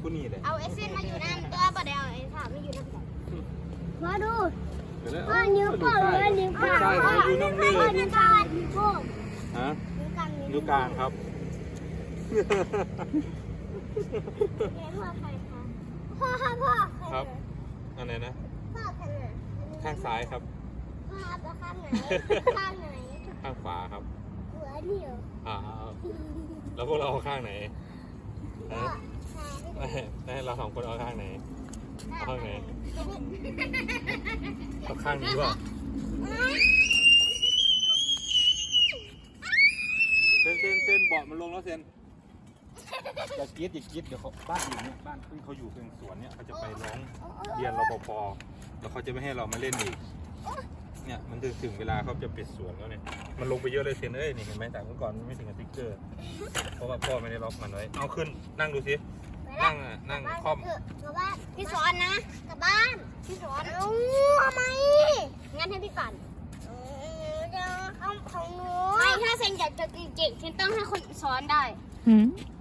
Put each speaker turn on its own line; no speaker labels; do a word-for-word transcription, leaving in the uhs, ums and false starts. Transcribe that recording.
ผู้นี้เลย
เอาไอเส้นมาอยู่นั่นตัวบ่ได้เอาไอ้ถามมาอยู่นั่นมาดู
พ่อนิ้วโป้งเลยนิ้วกลางพ่อนิ้วน้ำเลย
พ่อนิ้วกลางนิ้วโป้ง
ฮะ
นิ้วกลาง
นิ้วกลางครับ
พ่อใครคะพ่อค่ะพ่อ
ครับอันไหนนะ
พ่อใครน่ะ
ข้างซ้ายครับ
พ่อจะข้างไหนข้างไหน
ข้างขวาครับ
หัวเดียว
อ่าแล้วพวกเราเอาข้างไหนฮะให้เราสองคนเอาข้างไหนเอาข้างไหนเอาข้างนี้ป่ะเซนเซนเซนเบาะมันลงแล้วเซนอย่ากรี๊ดอย่ากรี๊ดเดี๋ยวเขาบ้านอยู่เนี่ยบ้านที่เขาอยู่เป็นสวนเนี่ยเขาจะไปร้องเรียนรปภแล้วเขาจะไม่ให้เรามาเล่นอีกเนี่ยมันถึงถึงเวลาเขาจะปิดสวนแล้วเนี่ยมันลงไปเยอะเลยเซนเอ้ยนี่เห็นไหมแต่เมื่อก่อนมันไม่ถึงกับติ๊กเกอร์เพราะว่าพ่อไม่ได้ล็อกมันไว้เอาขึ้นนั่งดูสินั่งอ่ะนั่งคล่อม
กลับบ้านพี่สอนนะกลับบ้านพี่สอนเอ้าทำไมงั้นให้พี่ก่อนจะเอาของหนูไม่ถ้าเซนอยากจะเก่งๆเซนต้องให้คนสอนได้
หืม